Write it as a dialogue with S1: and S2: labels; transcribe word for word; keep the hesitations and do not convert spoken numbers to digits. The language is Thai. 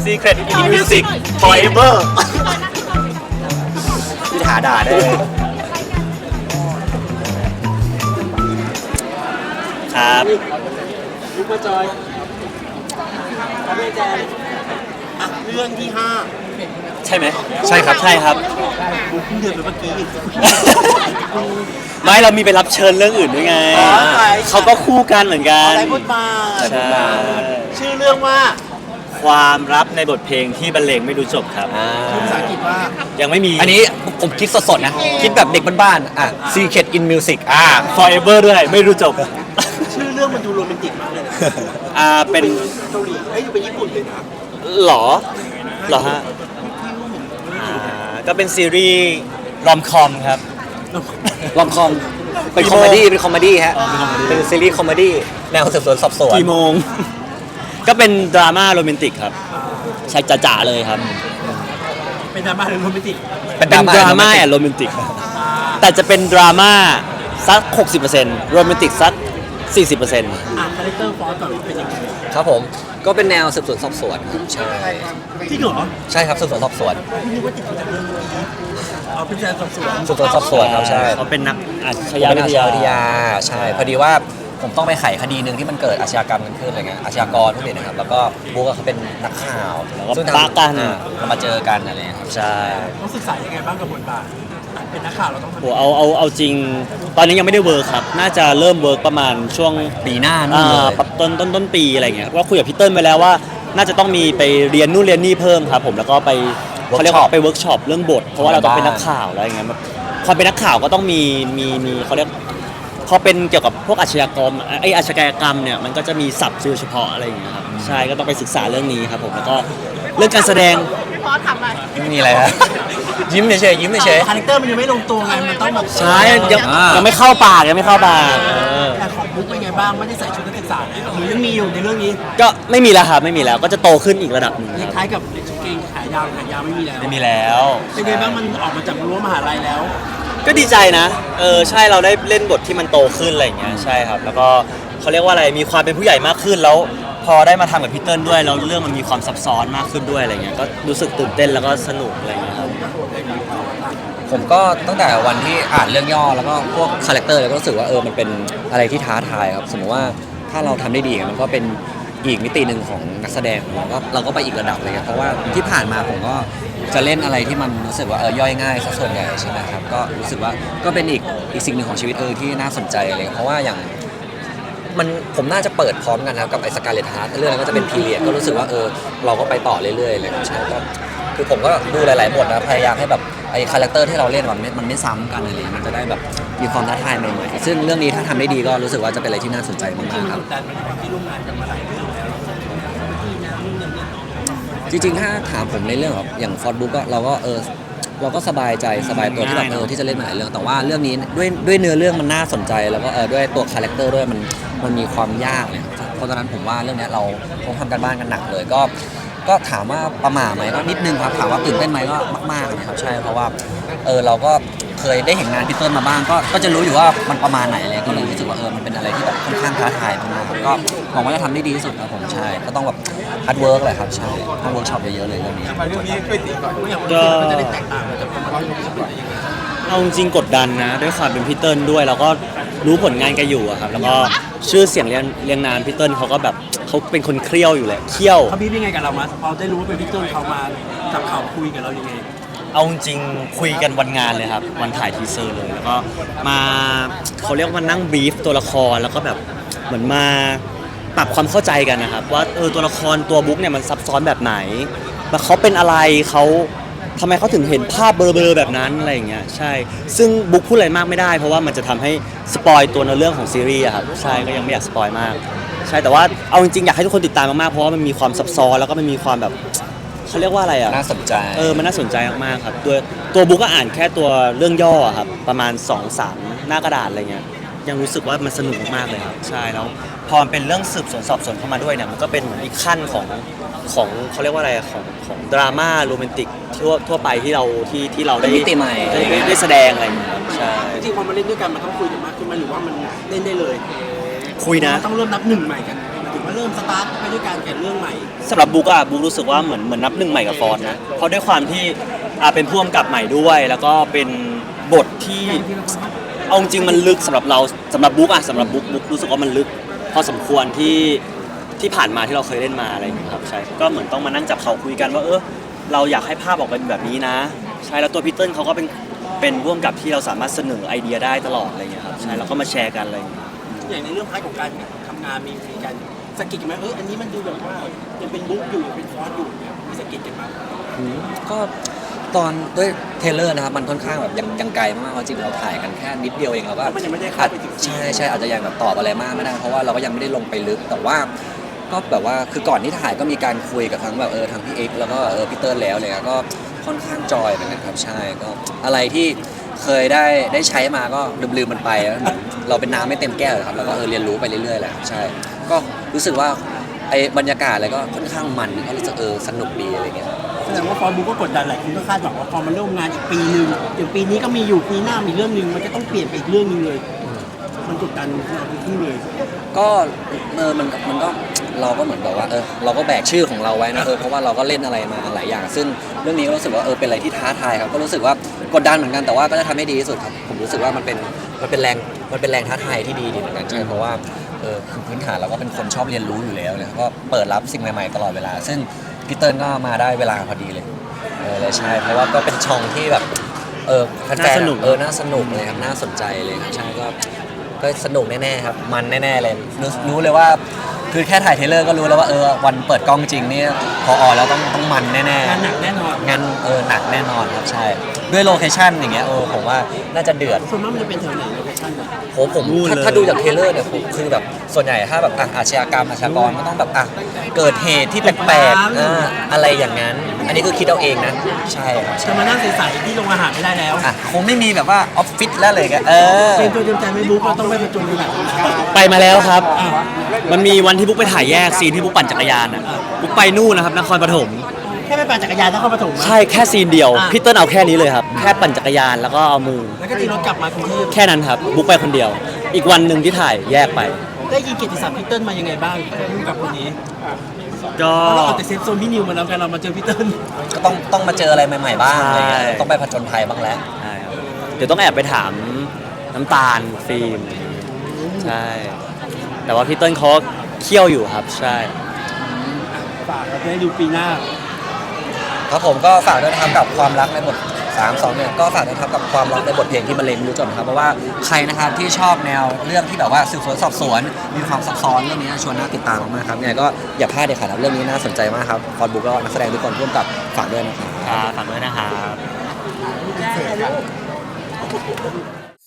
S1: Secret in Music Forever พี่ถาด่าได้ครับ
S2: ลุกมาจอยครับพี่แจนอ่ะเรื่องที่ห้า
S1: ใช่ไหมใช่ครับใช่ครับ
S2: กูเพิ่งเดินไปเมื่อกี้
S1: ไม่เรามีไปรับเชิญเรื่องอื่นด้วยไงเขาก็คู่กันเหมือนกัน
S2: อะไรบทบาทชื่อเรื่องว่า
S1: ความลับในบทเพลงที่บรรเลงไม่รู้จบครับ
S2: ภาษาอังกฤษว่า
S1: ยังไม่มี
S3: อันนี้ผมคิดสดๆนะคิดแบบเด็กบ้านๆอ่ะ Secret in Music
S1: อ่า Forever ด้วยไม่รู้จบ
S2: ชื่อเรื่องมันดูโรแมนติกมากเลยนะ
S1: อ่าเป็น
S2: เกาหลีเอ้ยอยู่เป็นญี่ปุ่นเลยนะ
S1: หรอหรอฮะอ่าก็เป็นซีรีส์รอมคอมครับ
S3: รอมคอมเป็นคอมเมดี้เป็นคอมเมดี้ฮะเป็นซีรีส์คอมเมดี้แนวสืบสวนสอบสวน
S1: กี่โมงก็เป็นดราม่าโรแมนติกครับใช่จ๋าๆเลยครับ
S2: เป็นดราม่าหรือโรแมนติก
S1: เป็นดราม่าแอนโรแมนติกแต่จะเป็นดราม่าสัก หกสิบเปอร์เซ็นต์ โรแมนติกสัก สี่สิบเปอร์เซ็นต์
S2: อ่ะคาแรคเตอร์ฟอสก่อนเป็นยังไง
S3: ครับผมก็เป็นแนวสืบสวนสอบสวนใช่
S2: ที่เหรอ
S3: ใช่ครับสืบสวนสอบสวน
S2: นึกว่าติดจากเรื่องนี้เอาเป็นการสอบสวน
S3: สืบสวนสอบสวนครับใช่
S1: เขาเป็นนักอาช
S3: ญา
S1: วิ
S3: ทยาใช่พอดีว่าผมต้องไปไขคดีหนึ่งที่มันเกิดอาชญากรรมกันขึ้นอะไรเงี้ยอาชญากรผู้เด็ดนะครับแล้วก็บุ๊กเขาเป็นนักข่าว
S1: ซึ่งปะกัน
S3: เรามาเจอกันอะไรครับ
S1: ใช่
S2: ต้องศึกษายังไงบ้างกับบทบาทเป็นนักข่าวเราต้อง
S1: โหเอาเอาเอาจริงตอนนี้ยังไม่ได้เวิร์คครับน่าจะเริ่มเวิร์คประมาณช่วง
S3: ปีหน้านู่นเลย
S1: ต้นต้นต้นปีอะไรเงี้ยเพราะคุยกับพี่เติ้ลไปแล้วว่าน่าจะต้องมีไปเรียนนู่นเรียนนี่เพิ่มครับผมแล้วก็ไปเขาเรียกว่าไปเวิร์กช็อปเรื่องบทเพราะว่าเราต้องเป็นนักข่าวอะไรอย่างเงี้ยความเป็นนักข่าวก็ต้องมีมีมีเขาเรียกพอเป็นเกี่ยวกับพวกอาชญากรรมไออาชญากรรมเนี่ยมันก็จะมีศัพท์เฉพาะอะไรอย่างเงี้ยครับใช่ก็ต้องไปศึกษาเรื่องนี้ครับผมแล้วก็เรื่องการแสดง
S4: พี่พอทำอะไร
S3: ไม่มีอะไรครับยิ้มเฉยๆยิ้มเฉย
S2: ๆคาแรคเตอร์มันยังไม่ลงตัวไงมันต้องแบบ
S1: ใช่ยังยังไม่เข้าปากยังไม่เข้าปาก
S2: แต่ของบุ๊กเป็นไงบ้างไม่ได้ใส่ชุดนักศึกษาหรือยังมีอยู่ในเรื่องนี้
S1: ก็ไม่มีแล้วครับไม่มีแล้วก็จะโตขึ้นอีกระดับหนึ่ง
S2: คล้ายกับเกงขายาวขายาวไม่มีแล้ว
S1: ไม่มีแล้ว
S2: เป็นไงบ้างมันออกมาจากรั้วมหาลัยแล้ว
S1: ก็ดีใจนะเออใช่เราได้เล่นบทที่มันโตขึ้นอะไรอย่างเงี้ยใช่ครับแล้วก็เขาเรียกว่าอะไรมีความเป็นผู้ใหญ่มากขึ้นแล้วพอได้มาทำกับพี่เติ้ลด้วยแล้วเรื่องมันมีความซับซ้อนมากขึ้นด้วยอะไรเงี้ยก็รู้สึกตื่นเต้นแล้วก็สนุกอะไรเงี้ยครับ
S3: ผมก็ตั้งแต่วันที่อ่านเรื่องย่อแล้วก็พวกคาแรคเตอร์แล้วก็รู้สึกว่าเออมันเป็นอะไรที่ท้าทายครับสมมติว่าถ้าเราทำได้ดีมันก็เป็นอีกมิติหนึ่งของนักแสดงเราก็เราก็ไปอีกระดับเลยครับเพราะว่าที่ผ่านมาผมก็จะเล่นอะไรที่มันรู้สึกว่าเออย่อยง่ายซะส่วนใหญ่ใช่ไหมครับก็รู้สึกว่าก็เป็นอีกอีกสิ่งหนึ่งของชีวิตเออที่น่าสนใจเลยเพราะว่าอย่างมันผมน่าจะเปิดพร้อมกันนะครับกับไอ้สกาเลตฮาร์ทเรื่องนั้นก็จะเป็นพีเรียดก็รู้สึกว่าเออเราก็ไปต่อเรื่อยๆเลยใช่ก็คือผมก็ดูหลายๆบทนะพยายามให้แบบไอ้คาแรคเตอร์ที่เราเล่นมันไม่มันไม่ซ้ำกันเลยมันจะได้แบบมีความท้าทายใหม่ๆซึ่งเรื่องนี้ถ้าทำได้ดีก็รู้สึกว่าจะเป็นอะไรที่น่าสนใจมากๆครับ
S2: ที่ร่วมงานกันมาหลายเรื่องแล้ว
S3: จริงๆถ้าถามผมในเรื่องแบบอย่างฟอร์ดบุ๊กก็เราก็เออเราก็สบายใจสบายตัวที่แบบเออที่จะเล่นหลายเรื่องแต่ว่าเรื่องนี้ด้วยด้วยเนื้อเรื่องมันน่าสนใจแล้วก็เออด้วยตัวคาแรคเตอร์ด้วยมันมันมีความยากเนี่ยเพราะฉะนั้นผมว่าเรื่องนี้เราคงทำกันบ้านกันหนักเลยก็ก็ถามว่าประหม่าไหมก็นิดนึงครับถามว่าตื่นเต้นไหมก็มากๆนะครับใช่เพราะว่าเออเราก็เคยได้เห็นงานพี่เติ้ลมาบ้างก็ก็จะรู้อยู่ว่ามันประมาณไหนเลยก็เลยรู้สึกว่าเออมันเป็นอะไรที่แบบค่อนข้างท้าทายมากๆก็หวังว่าจะทำได้ดีที่สุดครับผมใช่ก็ต้องแบบฮาร์ดเวิร์กเลยครับใช่ต้องเวิร์กช็อปเยอะๆเลยเรื่องนี้
S2: เรื่องนี้ช่วยตีก่อน
S1: ก็
S2: จะได้แตกต่างจากความรู้สึกยังไง
S1: เอาจริงกดดันนะด้วยความเป็นพี่เติ้ลด้วยแล้วก็รู้ผลงานแกอยู่อะครับแล้วก็ชื่อเสียงเรียงเรียงนานพี่เติ้ลเขาก็แบบเขาเป็นคนเครี้ยวอยู่แหละเคี้ยว
S2: เขาพี่เป็นไงกับเรามาพอได้รู้ว่าเป็นพี่เติ้ลเขามาจับข่าวคุยกับเรายังไง
S1: เอาจริงคุยกันวันงานเลยครับวันถ่ายทีเซอร์เลยแล้วก็มาเขาเรียกว่านั่งบรีฟตัวละครแล้วก็แบบเหมือนมาปรับความเข้าใจกันนะครับว่าเออตัวละครตัวบุ๊กเนี่ยมันซับซ้อนแบบไหนแล้วเขาเป็นอะไรเขาทำไมเขาถึงเห็นภาพเบลอๆแบบนั้นอะไรอย่างเงี้ยใช่ซึ่งบุ๊กพูดอะไรมากไม่ได้เพราะว่ามันจะทำให้สปอยตัวในเรื่องของซีรีส์ครับใช่ก็ยังไม่อยากสปอยมากใช่แต่ว่าเอาจริงๆอยากให้ทุกคนติดตามมากๆเพราะว่ามันมีความซับซ้อนแล้วก็มันมีความแบบเขาเรียกว่าอะไรอ่ะ
S3: น่าสนใจ
S1: เออมันน่าสนใจมากๆครับตัวตัวบุ๊กก็อ่านแค่ตัวเรื่องย่อครับประมาณ สองสาม หน้ากระดาษอะไรเงี้ยยังรู้สึกว่ามันสนุกมากๆเลยครับใช่แล้วพอมันเป็นเรื่องสืบสวนสอบสวนเข้ามาด้วยเนี่ยมันก็เป็นเหมือนอีกขั้นของของเขาเรียกว่าอะไรของของดราม่าโรแมนติกทั่วทั่วไปที่เราที่ที่เราได้
S3: มิติใหม่
S1: ได้ได้แสดงอะไรอย่างเงี้ยใช่
S2: จริงๆพอมาเล่นด้วยกันมันต้องคุยกันมากขึ้นไหมหรือว่ามันเล่นได้เลย
S1: คุยนะ
S2: ต้องเริ่มนับหนึ่งใหม่กันมาเริ่มสตาร์ทไปด้วยการเขียนเรื่องใหม่
S1: สำหรับบุ๊กอะบุ๊กรู้สึกว่าเหมือนเหมือนนับหนึ่งใหม่กับฟอนต์นะเพราะด้วยความที่อ่าเป็นพ่วงกับใหม่ด้วย แล้วก็เป็นบทที่เอาจริงๆมันลึกสำหรับเราสำหรับบุ๊กอะสำหรับบุ๊กบุ๊กรู้สึกว่ามันลึกพอสมควรที่ที่ผ่านมาที่เราเคยเล่นมาอะไรอย่างเงี้ยครับใช่ก็เหมือนต้องมานั่งจับเขาคุยกันว่าเออเราอยากให้ภาพออกเป็นแบบนี้นะใช่แล้วตัวพีเติ้ลเขาก็เป็นเป็นพ่วงกับที่เราสามารถเสนอไอเดียได้ตลอดอะไรอย่างเงี้ยครับใช่แล้วก็มาแชร์กันอะไรอย่างเงี้ย
S2: อย่างในเรื่องพาร์ทของการทำงานมีมีการสะกิดกันไหมเอออันนี้มันดูแบบว่ายังเป็นบุ๊กอยู่ยังเป็นฟอนต์อยู่เนี่ยมีสะกิดกันไหม
S3: ก็ตอนด้วยเทรลเลอร์นะครับมันค่อนข้างแบบยังยังไกลมากๆเพราะจริงเราถ่ายกันแค่นิดเดียวเองเราก็
S2: มันยังไม่ได้เข้าไปถึง
S3: ใช่ใช่อาจจะยังแบบตอบอะไรมากไม่ได้เพราะว่าเราก็ยังไม่ได้ลงไปลึกแต่ว่าก็แบบว่าคือก่อนที่ถ่ายก็มีการคุยกับทั้งแบบเออทั้งพี่เอ็กซ์แล้วก็เออพี่เติ้ลแล้วเลยก็ค่อนข้างจอยเหมือนกันครับใช่ก็อะไรที่เคยได้ได้ใช้มาก็ลืมๆมันไปแล้วเหมือนเราเป็นน้ำไม่เต็มแก้วเลยครับแล้วก็เออเรียนรู้ไปเรื่อยๆแหละใช่ก็รู้สึกว่าไอ้บรรยากาศอะไรก็ค่อนข้างมันก็รู้สึกเออสนุกดีอะไรเงี้ย
S2: แสดงว่าฟอนต์บุ๊กก็กดดันหลายคนก็คาดหวังว่าพอมันเริ่มงานอีกปีหนึ่งอย่างปีนี้ก็มีอยู่ปีหน้ามีเรื่องหนึ่งมันจะต้องเปลี่ยนไปอีกเรื่องหนึงเลย มันกดดันเราทั้งคู่เลย
S3: ก็เออมันมันก็เราก็เหมือนแบบว่าเออเราก็แบกชื่อของเราไว้นะเออเพราะว่าเราก็เล่นอะไรมาหลายอย่าง ซึ่งเรื่องนี้ก็รู้สึกว่าเออเป็นอะไรที่ท้าทายครับก็รู้สึกว่ากดดันเหมือนกันแต่ว่าก็จะทำให้ดีที่สุดครับผมรู้สึกว่ามันเป็นมันเป็นแรงมันเป็นแรงท้าทายที่ดีดีเหมือนกันใช่เพราะว่าเออคือพื้นฐานเราก็เป็นคนชอบเรียนรู้อยู่แล้วเนี่ยก็เปิดรับสิ่งใหม่ๆตลอดเวลา ซึ่งพี่เติ้ลก็มาได้เวลาพอดีเลยเออเลยใช่เพราะว่าก็เป็นช่องที่แบบเออแฟนๆ
S1: น่าสนุก
S3: เออน่าสนุกเลยครับน่าสนใจเลยครับใช่ก็ ก็สนุกแน่ๆครับมันแน่ๆเลยรู้รู้เลยว่าคือแค่ถ่ายเทรลเลอร์ก็รู้แล้วว่าเออวันเปิดกล้องจริงนี่พอออกแล้วต้องต้องมันแน่ๆ
S2: งานหนักแน่นอน
S3: งานเออหนักแน่นอนครับใช่ด้วยโลเคชั่นอย่างเงี้ยเออผมว่าน่าจะเดือด
S2: ส่วนมากมันจะเป็นแถวไหนโลเคชั่นอะ
S3: โหผม
S1: นู่น
S3: ถ้า
S1: เลย
S3: ถ้าดูจากเทรลเลอร์เนี่ยผมคือแบบส่วนใหญ่ถ้าแบบอ่ะอาชญากรรมอาชญากรก็ต้องแบบอ่ะเกิดเหตุที่แปลกๆอ่าอะไรอย่างนั้น อันนี้คือคิดเอาเองนะใช่ครับ
S2: จะมานั่งใสๆที่โรงอาหารไม่ได้แล้ว
S3: อ่ะคงไม่มีแบบว่าออฟฟิศแล้วเลยกันเออ
S2: เตรียมตัวเตรียมใจไม่บุ๊กเราต้องไปประจุขนาดนั้น
S1: ไปมาแล้วครับ มันมีวันที่บุ๊กไปถ่ายแยกซีนที่บุ๊กปั่นจักรยานอ่ะบุ๊กไปนู่นนะครับนครปฐม
S2: แค่ไปปั่นจักรยานนครปฐมอะ
S1: ใช่แค่ซีนเดียว
S2: อ่ะ
S1: พี่เติ้ลเอาแค่นี้เลยครับ แค่ปั่นจักรยานแล้วก็เอามือ
S2: แล้วก็ตีรถกลับมากรุงเทพ
S1: แค่นั้นครับ บุ๊กไปคนเดียว อีกวันหนึ่งที่ถ่ายแยกไป
S2: ได้ยินเกียรติศัพท์พีเติ้ลมายังไงบ้างร่วมกับคนนี้
S1: ก็
S2: เพราะเราออกจากเซฟโซนพี่นิวมาแล้วกันเรามาเจอพีเติ้ล
S3: ก็ต้องต้องมาเจออะไรใหม่ๆบ้างอะไรเงี้ย
S1: ใช่
S3: ต้องไปผจญภัยบ้างแล้ว
S1: ใช่ครับเดี๋ยวต้องแอบไปถามน้ำตาลฟิล์มใช่ แต่ว่าพี่เติ้ลเขาเคี่ยวอยู่ครับ ใช่
S2: ฝากเราจะได้ดูปีหน้า
S3: ครับผมก็ฝากด้วยนะครับกับความรักในบทสาม สองเนี่ยก็ฝากด้วยนะครับกับความรักในบทเพลงที่บรรเลงไม่รู้จบนะครับเพราะว่าใครนะครับที่ชอบแนวเรื่องที่แบบว่าสืบสวนสอบสวนมีความซับซ้อนเรื่องนี้ชวนน่าติดตามมากๆครับเนี่ยก็อย่าพลาดเด็ดขาดครับเรื่องนี้น่าสนใจมากครับฟอนบุ๊กก็นักแสดงทุกคนร่วมกับฝากด้วยนะครับ
S1: ครับฝากด้วยนะครับ